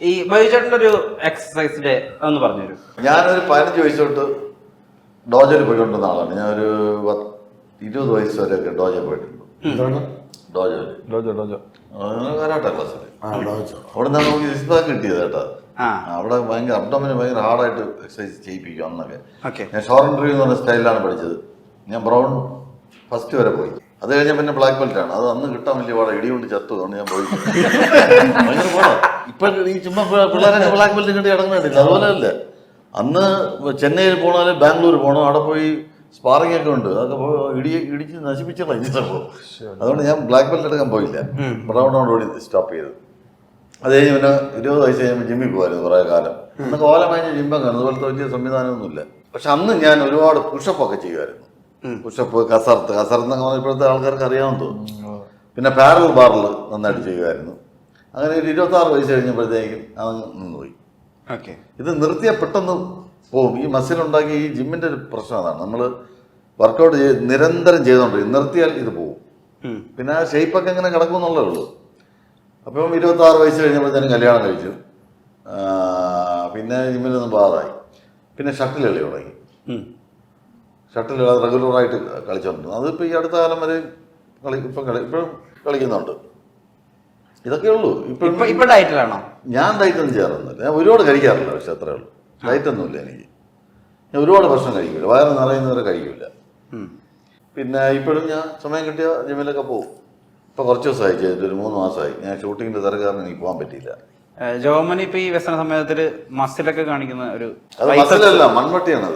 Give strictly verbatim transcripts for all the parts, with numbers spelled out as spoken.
ഈ ബൈചേട്ടൻ്റെ ഒരു എക്സസൈസിന്റെ ഒന്ന് പറഞ്ഞുതരും. ഞാനൊരു പതിനഞ്ച് വയസ്സ് തൊട്ട് ഡോജയിൽ പോയിക്കൊണ്ടിരുന്ന ആളാണ്. ഞാനൊരു ഇരുപത് വയസ്സ് വരെയൊക്കെ ഡോജയിൽ പോയിട്ടുണ്ട്. ഡോജോ കരാട്ടെ ക്ലാസ്സിൽ അവിടെ നിന്നാണ് നമുക്ക് സിക്സ് പാക്ക് കിട്ടിയത് കേട്ടോ. അവിടെ ഭയങ്കര അബ്ഡോമിന് ഭയങ്കര ഹാർഡായിട്ട് എക്സസൈസ് ചെയ്യിപ്പിക്കും അന്നൊക്കെ. ഞാൻ ഷോർട്ട് ഡ്രീവ് എന്ന് പറഞ്ഞ സ്റ്റൈലിലാണ് പഠിച്ചത്. ഞാൻ ബ്രൗൺ ഫസ്റ്റ് വരെ പോയി. അത് കഴിഞ്ഞാൽ പിന്നെ ബ്ലാക്ക് ബെൽറ്റ് ആണ്. അത് അന്ന് കിട്ടാൻ വലിയ പാടാ, ഇടി കൊണ്ട് ചത്തു. അതുകൊണ്ട് ഞാൻ പോയി. ഭയങ്കര പാടാ. ഇപ്പൊ ഈ ചുമ്മാ പിള്ളേരെ ബ്ലാക്ക് ബെൽറ്റ് കിട്ടി ഇടങ്ങുന്നില്ല. അതുപോലെ അല്ല, അന്ന് ചെന്നൈയിൽ പോകണമെങ്കിൽ ബാംഗ്ലൂർ പോകണം, അവിടെ പോയി സ്പാറിംഗ് ഒക്കെ ഉണ്ട്. അതൊക്കെ ഇടി ഇടിച്ച് നശിപ്പിച്ചുള്ള ഈ സംഭവം. അതുകൊണ്ട് ഞാൻ ബ്ലാക്ക് ബെൽറ്റ് എടുക്കാൻ പോയില്ല. ബ്രൗണോടുകൂടി സ്റ്റോപ്പ് ചെയ്തു. അത് കഴിഞ്ഞ് പിന്നെ ഇരുപത് വയസ്സ് കഴിയുമ്പോൾ ജിമ്മിൽ പോകുമായിരുന്നു കുറേ കാലം. അന്നൊക്കെ ഓല കഴിഞ്ഞ് ജിമ്മൊക്കെ അതുപോലത്തെ വലിയ സംവിധാനമൊന്നുമില്ല. പക്ഷെ അന്ന് ഞാൻ ഒരുപാട് പുഷപ്പൊക്കെ ചെയ്യുമായിരുന്നു. പുഷപ്പ്, കസർത്ത് കസർത്ത് എന്നൊക്കെ പറഞ്ഞാൽ ഇപ്പോഴത്തെ ആൾക്കാർക്ക് അറിയാമെന്ന് തോന്നുന്നു. പിന്നെ പാരൽ ബാറിൽ നന്നായിട്ട് ചെയ്യുമായിരുന്നു. അങ്ങനെ ഒരു ഇരുപത്തി ആറ് വയസ്സ് കഴിഞ്ഞപ്പോഴത്തേക്കും അത് നിന്നുപോയി. ഇത് നിർത്തിയാൽ പെട്ടെന്ന് പോകും. ഈ മസിലുണ്ടാക്കി ഈ ജിമ്മിൻ്റെ ഒരു പ്രശ്നം അതാണ്. നമ്മൾ വർക്കൗട്ട് ചെയ്ത് നിരന്തരം ചെയ്തുകൊണ്ടിരിക്കും. നിർത്തിയാൽ ഇത് പോകും. പിന്നെ ആ ഷേപ്പൊക്കെ എങ്ങനെ കിടക്കും എന്നുള്ളതേ ഉള്ളൂ. അപ്പം ഇരുപത്തി ആറ് വയസ്സ് കഴിഞ്ഞപ്പോഴത്തേനും കല്യാണം കഴിച്ചു. പിന്നെ ജിമ്മിലൊന്നും ബാധായി. പിന്നെ ഷട്ടിൽ കളി തുടങ്ങി. ഷട്ടിൽ റെഗുലറായിട്ട് കളിച്ചോണ്ടിരുന്നു. അതിപ്പോൾ ഈ അടുത്ത കാലം വരെ കളി ഇപ്പം കളി ഇപ്പോഴും കളിക്കുന്നുണ്ട്. ഇതൊക്കെ ഉള്ളൂ. ഇപ്പം ഇപ്പം ഡയറ്റിലാണോ? ഞാൻ ഡയറ്റൊന്നും ചെയ്യാറൊന്നുമില്ല. ഞാൻ ഒരുപാട് കഴിക്കാറില്ല. പക്ഷെ അത്രേ ഉള്ളൂ. ഡയറ്റൊന്നുമില്ല എനിക്ക്. ഞാൻ ഒരുപാട് ഭക്ഷണം കഴിക്കില്ല. വയറ് നിറയുന്നവരെ കഴിക്കില്ല. പിന്നെ ഇപ്പോഴും ഞാൻ സമയം കിട്ടിയ ജിമ്മിലൊക്കെ പോകും. ഇപ്പൊ കുറച്ച് ദിവസമായി ചെയ്തിട്ട് ഒരു മൂന്ന് മാസമായി. ഞാൻ ഷൂട്ടിങ്ങിന്റെ തിരക്കാരണം എനിക്ക് പോകാൻ പറ്റിയില്ല. ജോമനി ഇപ്പൊ ഈ വ്യസന സമയത്തില് മസിലൊക്കെ കാണിക്കുന്ന ഒരു അത് മസിലല്ല, മൺവട്ടിയാണത്.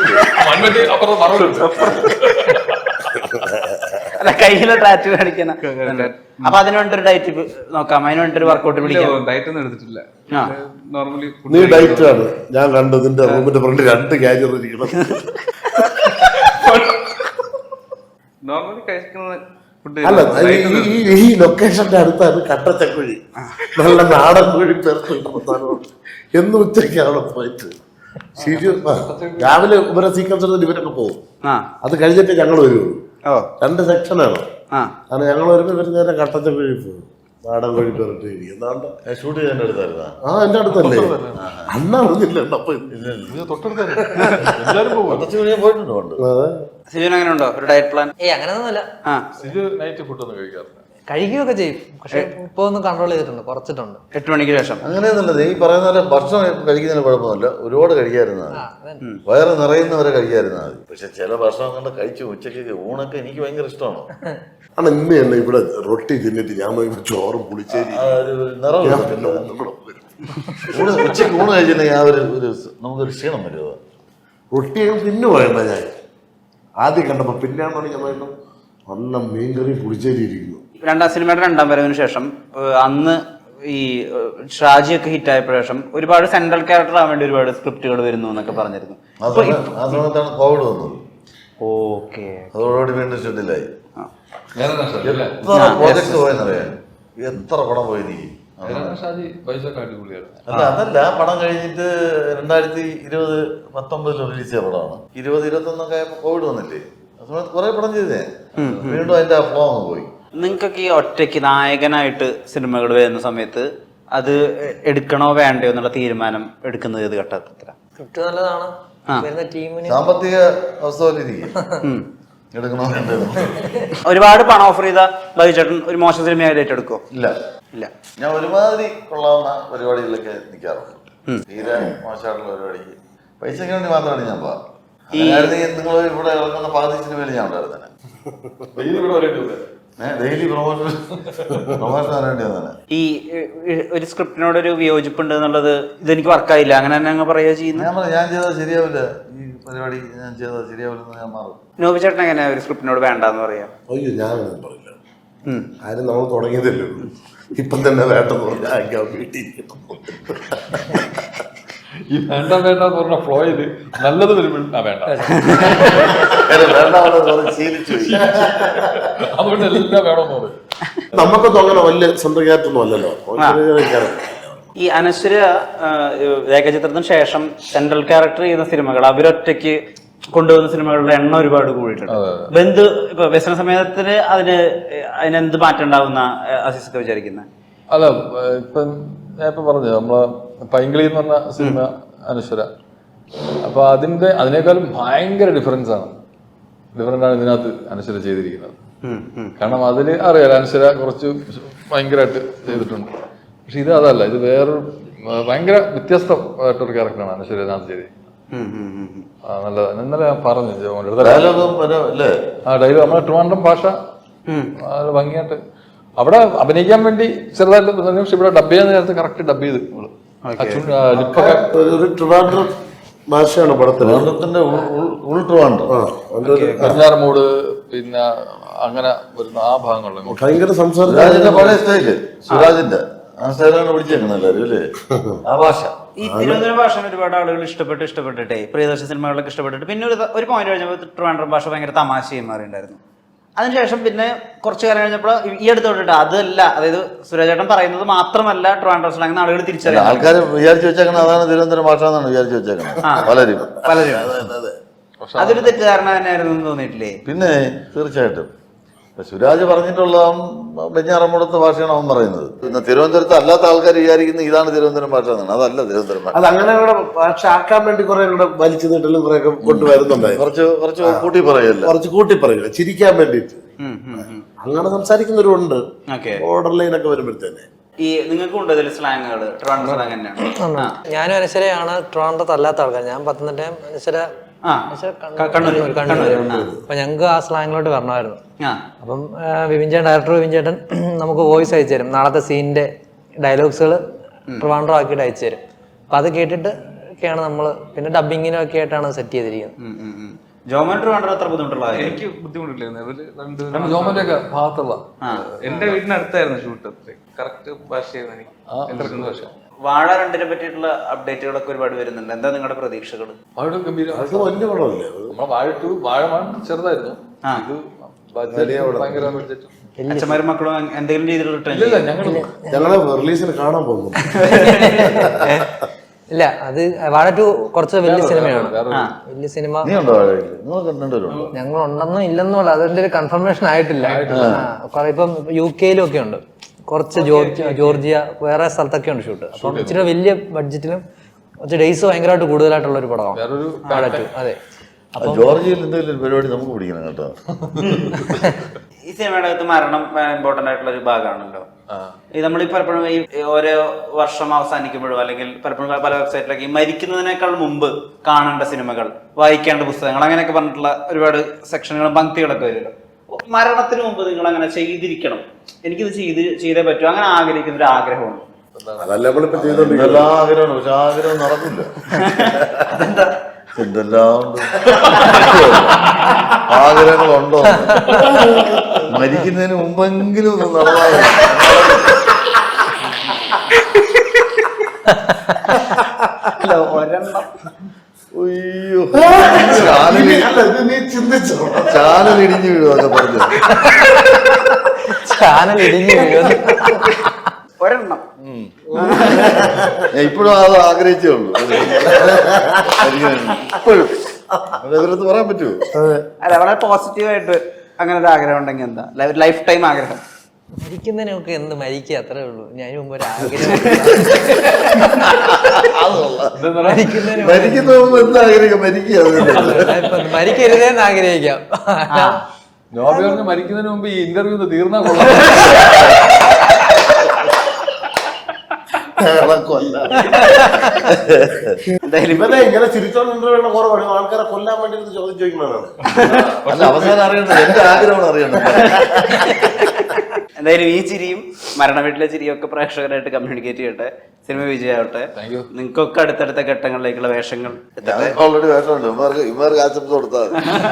അല്ല, കയ്യിലെ ടാറ്റു കാണിക്കുന്ന. അപ്പൊ അതിന് വേണ്ടി ഒരു ഡയറ്റ് നോക്കാം, അതിന് വേണ്ടി ഒരു വർക്കൗട്ട് പിടിക്കാം. ഡയറ്റ് ഒന്നും എടുത്തിട്ടില്ല. നോർമലി നീ ഡയറ്റ് ആണ് ഞാൻ കണ്ടത്. നിന്റെ റൂമിന്റെ ഫ്രണ്ട് രണ്ട് കാര്യം ഇരിക്കണം. നോർമലി കഴിക്കുന്നത് അല്ല, ഈ ലൊക്കേഷന്റെ അടുത്താണ് കട്ടച്ചക്കുഴി. നല്ല നാടൻ കോഴി പേർത്ത് എന്നും ഉച്ചയ്ക്ക് അവിടെ പോയിട്ട് രാവിലെ ഇവരെ സീക്വൻസ് എടുത്തിട്ട് ഇവരൊക്കെ പോകും. അത് കഴിഞ്ഞിട്ട് ഞങ്ങൾ വരുള്ളൂ. രണ്ട് സെക്ഷനാണ്. കാരണം ഞങ്ങൾ വരുമ്പോൾ ഇവർ നേരെ കട്ടച്ചക്കുഴി പോകും. നാടൻ കോഴി പേർട്ട് എന്താണ്ട് ഷൂട്ട് ചെയ്യാൻ അടുത്തായിരുന്ന ആ എന്റെ അടുത്തല്ലേ അന്നാ അറിഞ്ഞില്ല. സിജുന് അങ്ങനെ ഉണ്ടോ ഒരു ഡയറ്റ് പ്ലാൻ? ഏയ് അങ്ങനെയൊന്നുമല്ല. കഴിക്കുകയൊക്കെ ചെയ്യും. പക്ഷെ ഇപ്പൊ ഒന്ന് കൺട്രോൾ ചെയ്തിട്ടുണ്ട്, കുറച്ചിട്ടുണ്ട്. എട്ട് മണിക്ക് ശേഷം അങ്ങനെയൊന്നുള്ളത്. ഈ പറയുന്ന പോലെ ഭക്ഷണം കഴിക്കുന്നതിന് കുഴപ്പമൊന്നുമില്ല. ഒരുപാട് കഴിക്കാതിരുന്നാൽ മതി. വയറ് നിറയുന്നവരെ കഴിക്കാതിരുന്നാൽ മതി. പക്ഷെ ചില ഭക്ഷണം കണ്ട് കഴിച്ചു ഉച്ചയ്ക്ക് ഊണൊക്കെ എനിക്ക് ഭയങ്കര ഇഷ്ടമാണ്. ആണ് ഇന്ന് തന്നെ ഇവിടെ റൊട്ടി തിന്നിട്ട് ഞാൻ ചോറും പുളിച്ചേരി ഉച്ചയ്ക്ക് ഊണ് കഴിച്ചിട്ടുണ്ടെങ്കിൽ ആ ഒരു നമുക്കൊരു ക്ഷീണം വരുമോ? റൊട്ടിയും തിന്നു വേണ്ട. ഞാൻ ആദ്യം കണ്ടപ്പോ പിന്നെയാണെന്ന് ഞാൻ വേണ്ട നല്ല മീൻകറി പുളിച്ചേരി ഇരിക്കുന്നു. രണ്ടാം സിനിമയുടെ രണ്ടാം വരവിന് ശേഷം അന്ന് ഈ ഷാജിയൊക്കെ ഹിറ്റ് ആയപ്പോ ശേഷം ഒരുപാട് സെൻട്രൽ ക്യാരക്ടർ ആവാൻ വേണ്ടി ഒരുപാട് സ്ക്രിപ്റ്റുകൾ വരുന്നു എന്നൊക്കെ പറഞ്ഞിരുന്നു. ആ സമയത്താണ് കോവിഡ് വന്നത്. ഓക്കെ, അതോടുകൂടി വീണ്ടും ഷെഡിലായി. എത്ര പ്രോജക്ട് പോയെന്നറിയാൻ, എത്ര പടം പോയി നീ. അല്ല അതല്ല, പടം കഴിഞ്ഞിട്ട് രണ്ടായിരത്തി ഇരുപത് പത്തൊമ്പതിൽ റിലീസ് ചെയ്ത പടമാണ്. ഇരുപത് ഇരുപത്തി ഒന്നൊക്കെ ആയപ്പോ കോവിഡ് വന്നില്ലേ. ആ സമയത്ത് കുറെ പടം ചെയ്തേ. വീണ്ടും അതിന്റെ ഫ്ലോ അങ്ങ് പോയി. നിങ്ങൾക്കൊക്കെ ഈ ഒറ്റയ്ക്ക് നായകനായിട്ട് സിനിമകൾ വരുന്ന സമയത്ത് അത് എടുക്കണോ വേണ്ടയോ എന്നുള്ള തീരുമാനം എടുക്കുന്നത് ഏത് ഘട്ടത്തില? സ്ക്രിപ്റ്റ് നല്ലതാണ്, ടീമിന് സാമ്പത്തിക അവസ്ഥ പോലെ ഇരിക്കും. എടുക്കണോ വേണ്ടോ? ഒരുപാട് പണം ഓഫർ ചെയ്ത ബൈചേട്ടൻ ഒരു മോശം സിനിമയായിട്ട് ഏറ്റെടുക്കോ? ഇല്ല ഇല്ല. ഞാൻ ഒരുമാതിരി കൊള്ളാവുന്ന പരിപാടികളിലൊക്കെ നിൽക്കാറുണ്ട്. തീരെ മോശമായിട്ടുള്ള പരിപാടിക്ക് പൈസയ്ക്ക് വേണ്ടി മാത്രമാണ് ഞാൻ പോകാം. നിങ്ങൾ ഇവിടെ ഇറങ്ങുന്ന പകുതി സിനിമയിൽ ഞാൻ ഉണ്ടായിരുന്നെ. ഡെയിലി പ്രൊമോഷൻ പ്രൊമോഷൻ വേണ്ടി വന്നെ. ഈ ഒരു സ്ക്രിപ്റ്റിനോട് ഒരു വിയോജിപ്പുണ്ട് എന്നുള്ളത് ഇതെനിക്ക് വർക്കായില്ല അങ്ങനെ തന്നെ അങ്ങ് പറയുക ചെയ്യുന്നത്. ഞാൻ പറയാം, ഞാൻ ചെയ്താൽ ശരിയാവില്ല, ഈ പരിപാടി ഞാൻ ചെയ്താൽ ശരിയാവില്ലെന്ന് ഞാൻ മാറും. നോബി ചേട്ടൻ എങ്ങനെയാ ഒരു സ്ക്രിപ്റ്റിനോട് വേണ്ടെന്ന് പറയാം? അയ്യോ ഞാനൊന്നും പറയില്ല. ആരും നമ്മൾ തുടങ്ങിയതല്ലേ ഉള്ളൂ. ഇപ്പം തന്നെ വേണ്ടെന്ന് പറഞ്ഞാൽ വീട്ടിൽ ഈ വേണ്ട വേണ്ട പറഞ്ഞ ഫ്ലോ ചെയ്ത് നല്ലത് വരുമ്പോൾ വേണ്ട അതുകൊണ്ട് എല്ലാം വേണമെന്ന് പറയും. നമുക്കൊന്നും അങ്ങനെ വലിയ സ്വന്തം ക്യാരക്ടറൊന്നും അല്ലല്ലോ. ഈ അനശ്വര ഏകചിത്രത്തിന് ശേഷം സെൻട്രൽ ക്യാരക്ടർ ചെയ്യുന്ന സിനിമകൾ അവരൊറ്റയ്ക്ക് കൊണ്ടുവന്ന സിനിമകളുടെ എണ്ണം ഒരുപാട് കൂടിയിട്ടുണ്ട്. ബന്ധു ഇപ്പൊ വ്യസന സമയത്തിന് അതിന് അതിനെന്ത് മാറ്റം ഉണ്ടാവുന്ന അസീസൊക്കെ വിചാരിക്കുന്നത്? അല്ല, ഇപ്പം ഞാൻ ഇപ്പൊ പറഞ്ഞു നമ്മളെ പൈങ്കിളി എന്ന് പറഞ്ഞ സിനിമ അനശ്വര. അപ്പൊ അതിന്റെ അതിനേക്കാളും ഭയങ്കര ഡിഫറൻസ് ആണ് ഡിഫറൻ്റ് ആണ് ഇതിനകത്ത് അനശ്വര ചെയ്തിരിക്കുന്നത്. കാരണം അതിൽ അറിയാലോ അനശ്വര കുറച്ച് ഭയങ്കരമായിട്ട് ചെയ്തിട്ടുണ്ട്. പക്ഷെ ഇത് അതല്ല, ഇത് വേറൊരു ഭയങ്കര വ്യത്യസ്തമായിട്ടൊരു ക്യാരക്ടറാണ് അനശ്വര ഇതിനകത്ത് ചെയ്തിരിക്കുന്നത്. നല്ല ഇന്നലെ ഞാൻ പറഞ്ഞു ആ ഡയലോഗ് നമ്മുടെ ട്രിവാൻഡ്രം ഭാഷ ഭംഗിയായിട്ട് അവിടെ അഭിനയിക്കാൻ വേണ്ടി ചെറുതായിട്ട്, പക്ഷെ ഇവിടെ ഡബ് ചെയ്യാൻ നേരത്തെ കറക്റ്റ് ഡബ് ചെയ്ത് ട്രിവാൻഡ്രം ഭാഷയാണ് പടത്തിൽ. കഞ്ഞാറമൂട് പിന്നെ അങ്ങനെ വരുന്ന ആ ഭാഗങ്ങളിൽ ഭയങ്കര സംസാരം. സുരാജിന്റെ പഴയ സ്റ്റൈല്, സുരാജിന്റെ ആ സ്റ്റൈലാണ് പിടിച്ചേക്കുന്നത് എല്ലാവരും അല്ലേ ആ ഭാഷ. ഈ തിരുവനന്തപുരം ഭാഷ ഒരുപാട് ആളുകൾ ഇഷ്ടപ്പെട്ട് ഇഷ്ടപ്പെട്ടിട്ടേ പ്രിയദർശന സിനിമകളൊക്കെ ഇഷ്ടപ്പെട്ടിട്ട് പിന്നെ ഒരു ഒരു പോയിന്റ് കഴിഞ്ഞപ്പോൾ ട്രിവാൻഡ്രം ഭാഷ ഭയങ്കര തമാശയും മാറിയിട്ടുണ്ടായിരുന്നു. അതിനുശേഷം പിന്നെ കുറച്ചു കാലം കഴിഞ്ഞപ്പോൾ ഈ അടുത്ത് തൊട്ടിട്ട് അതല്ല, അതായത് സുരാജേട്ടൻ പറയുന്നത് മാത്രമല്ല ട്രിവാൻഡ്രം സ്ലാങ് ആളുകൾ തിരിച്ചറിയാം. ആൾക്കാർ വിചാരിച്ചു വെച്ചേക്കണം അതാണ് തിരുവനന്തപുരം ഭാഷ എന്നാണ് വിചാരിച്ചു വെച്ചേക്കണം പലരും പലരും. അതൊരു തെറ്റിദ്ധാരണ തന്നെയായിരുന്നു എന്ന് തോന്നിയിട്ടില്ലേ? പിന്നെ തീർച്ചയായിട്ടും സുരാജ് പറഞ്ഞിട്ടുള്ള വെഞ്ഞാറമ്മൂടത്തെ ഭാഷയാണ് അവൻ പറയുന്നത്. പിന്നെ തിരുവനന്തപുരത്ത് അല്ലാത്ത ആൾക്കാർ വിചാരിക്കുന്നത് ഇതാണ് തിരുവനന്തപുരം ഭാഷ എന്നാണ്. അതല്ല തിരുവനന്തപുരം ഭാഷ. അത് അങ്ങനെ കൂടെ ഭാഷ ആക്കാൻ വേണ്ടി കുറെ കൂടെ വലിച്ചു നീട്ടലും കുറെ ഒക്കെ കൊണ്ടുവരുന്നുണ്ടായി. കുറച്ച് കുറച്ച് കൂട്ടി പറയല്ല, കുറച്ച് കൂട്ടി പറയുക ചിരിക്കാൻ വേണ്ടിയിട്ട് അങ്ങനെ സംസാരിക്കുന്നവരുണ്ട്. ഓർഡർ ലൈൻ ഒക്കെ വരുമ്പോഴത്തേനെ ഈ നിങ്ങൾക്ക് ഉണ്ട് ഇതിൽ സ്ലാങ്ങുകൾ ട്രിവാൻഡ്രം സ്ലാങ് തന്നെയാണ്. ഞാനും അനശ്വരയാണ് ട്രിവാൻഡ്രത്ത് അല്ലാത്ത ആൾക്കാർ. ഞാൻ പത്തനംതിട്ടയും അനശ്വര കണ്ണൂർ. അപ്പൊ ഞങ്ങൾക്ക് ആ സ്ലാങ്ങിലോട്ട് വരണമായിരുന്നു. അപ്പം വിപിൻ ചേട്ടൻ, ഡയറക്ടർ വിപിൻ ചേട്ടൻ നമുക്ക് വോയിസ് അയച്ചു തരും. നാളത്തെ സീനിന്റെ ഡയലോഗ്സുകൾ ട്രിവാൻഡ്രം ആക്കിയിട്ട് അയച്ചു തരും. അപ്പൊ അത് കേട്ടിട്ട് ഒക്കെയാണ് നമ്മള് പിന്നെ ഡബിങ്ങിനും ഒക്കെ ആയിട്ടാണ് സെറ്റ് ചെയ്തിരിക്കുന്നത്. ജോമൻ ട്രിവാൻഡ്രം അത്ര ബുദ്ധിമുട്ടുള്ള എനിക്ക് ബുദ്ധിമുട്ടില്ലായിരുന്നു. ജോമന്റെ ഒക്കെ ഭാഗത്തുള്ള എന്റെ വീടിനടുത്തായിരുന്നു ഷൂട്ട്. കറക്റ്റ് ഭാഷയായിരുന്നു എനിക്ക്. എത്ര ഭാഷ വാഴ രണ്ടിനെ പറ്റിയിട്ടുള്ള അപ്ഡേറ്റുകളൊക്കെ ഒരുപാട് വരുന്നുണ്ട്. എന്താ നിങ്ങളുടെ പ്രതീക്ഷകൾ? വാഴ ഗംഭീരം. വലിയ പടമല്ലേ നമ്മളെ വാഴ ടു വാഴ വൺ ചെറുതായിരുന്നു. ഇത് ഭയങ്കര ബഡ്ജറ്റ്. അച്ഛന്മാരും മക്കളും എന്തെങ്കിലും രീതിയിലുള്ള ഇല്ല ഞങ്ങൾ ഞങ്ങളെ റിലീസിന് കാണാൻ പോകുന്നു. ഇല്ല, അത് വാഴ ടു കുറച്ച് വലിയ സിനിമയാണ്. വലിയ സിനിമ ഞങ്ങൾ ഉണ്ടെന്നും ഇല്ലെന്നും ഉള്ള അതിന്റെ ഒരു കൺഫർമേഷൻ ആയിട്ടില്ല. കുറെ ഇപ്പം യു കെയിലും ഒക്കെ ഉണ്ട്, കുറച്ച് ജോർജിയ ജോർജിയ വേറെ സ്ഥലത്തൊക്കെ ഉണ്ട് ഷൂട്ട്. അപ്പം ഇച്ചിരി വലിയ ബഡ്ജറ്റിലും കുറച്ച് ഡേയ്സ് ഭയങ്കരമായിട്ട് കൂടുതലായിട്ടുള്ള ഒരു പടമാണ് വാഴ ടു. അതെ, ജോർജിയയിൽ എന്തെങ്കിലും പരിപാടി നമുക്ക് പിടിക്കണം കേട്ടോ. ഈ സിനിമയുടെ അകത്ത് മരണം ഇമ്പോർട്ടന്റ് ആയിട്ടുള്ള ഒരു ഭാഗമാണല്ലോ. ഈ നമ്മൾ ഈ പലപ്പോഴും ഈ ഓരോ വർഷം അവസാനിക്കുമ്പോഴും അല്ലെങ്കിൽ പലപ്പോഴും പല വെബ്സൈറ്റിലൊക്കെ ഈ മരിക്കുന്നതിനേക്കാൾ മുമ്പ് കാണേണ്ട സിനിമകൾ, വായിക്കേണ്ട പുസ്തകങ്ങൾ, അങ്ങനെയൊക്കെ പറഞ്ഞിട്ടുള്ള ഒരുപാട് സെക്ഷനുകളും പങ്ക്തികളൊക്കെ വരുമല്ലോ. മരണത്തിന് മുമ്പ് നിങ്ങൾ അങ്ങനെ ചെയ്തിരിക്കണം, എനിക്കിത് ചെയ്ത് ചെയ്തേ പറ്റൂ, അങ്ങനെ ആഗ്രഹിക്കുന്ന ഒരു ആഗ്രഹമുണ്ട്. എന്തെല്ലാം ആഗ്രഹമാണ്, പക്ഷെ ആഗ്രഹം നടക്കില്ല. എന്തെല്ലാം ഉണ്ട് ആഗ്രഹങ്ങളുണ്ടോ? മരിക്കുന്നതിന് മുമ്പെങ്കിലും ഒന്ന് നടന്നാൽ അയ്യോ ചാനൽ ഇടിഞ്ഞു വീഴും അതൊക്കെ പറഞ്ഞു. ചാനൽ ഇടിഞ്ഞു വീഴും ഒരെണ്ണം ഇപ്പോഴും അത് ആഗ്രഹിച്ചേ ഉള്ളൂ. ഇപ്പോഴും എതിർത്ത് പറയാൻ പറ്റുമോ? അല്ല, വളരെ പോസിറ്റീവായിട്ട് അങ്ങനെ ഒരു ആഗ്രഹം ഉണ്ടെങ്കിൽ എന്താ ലൈഫ് ടൈം ആഗ്രഹം? മരിക്കുന്നതിനൊക്കെ എന്ത് മരിക്കുക, അത്രേ ഉള്ളൂ. ഞാൻ മുമ്പ് ഒരു ആഗ്രഹം മരിക്കുന്ന എന്താഗ്രഹിക്കാം? മരിക്കുക മരിക്കരുതേന്ന് ആഗ്രഹിക്കാം. നോബി പറഞ്ഞ് മരിക്കുന്നതിന് മുമ്പ് ഈ ഇന്റർവ്യൂ തീർന്നാ കൊള്ളാം. ഇവനെ ഇങ്ങനെ ചിരിച്ചോണ്ടിരുന്ന കുറവാണ് ആൾക്കാരെ കൊല്ലാൻ വേണ്ടി ചോദ്യം ചോദിക്കുന്നതാണ്. അവസാനം അറിയണ്ട, എന്റെ ആഗ്രഹമാണ് അറിയണം. എന്തായാലും ഈ ചിരിയും മരണ വീട്ടിലെ ചിരിയും ഒക്കെ പ്രേക്ഷകരായിട്ട് കമ്മ്യൂണിക്കേറ്റ് ചെയ്യട്ടെ. സിനിമ വിജയമാവട്ടെ. നിങ്ങൾക്കൊക്കെ അടുത്തടുത്ത ഘട്ടങ്ങളിലേക്കുള്ള വേഷങ്ങൾ ഓൾറെഡി വേഷമുണ്ട്. ഇവർക്ക് ഇവർക്ക് ആശംസ കൊടുത്താൽ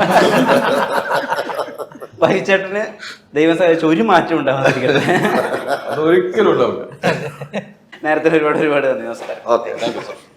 പരിചേട്ടന് ദൈവം സഹായിച്ച ഒരു മാറ്റം ഉണ്ടാവാതിരിക്കട്ടെ. അത് ഒരിക്കലും ഉണ്ടാവില്ല. നേരത്തെ ഒരുപാട് ഒരുപാട് നന്ദി. നമസ്കാരം. Okay, thank you sir.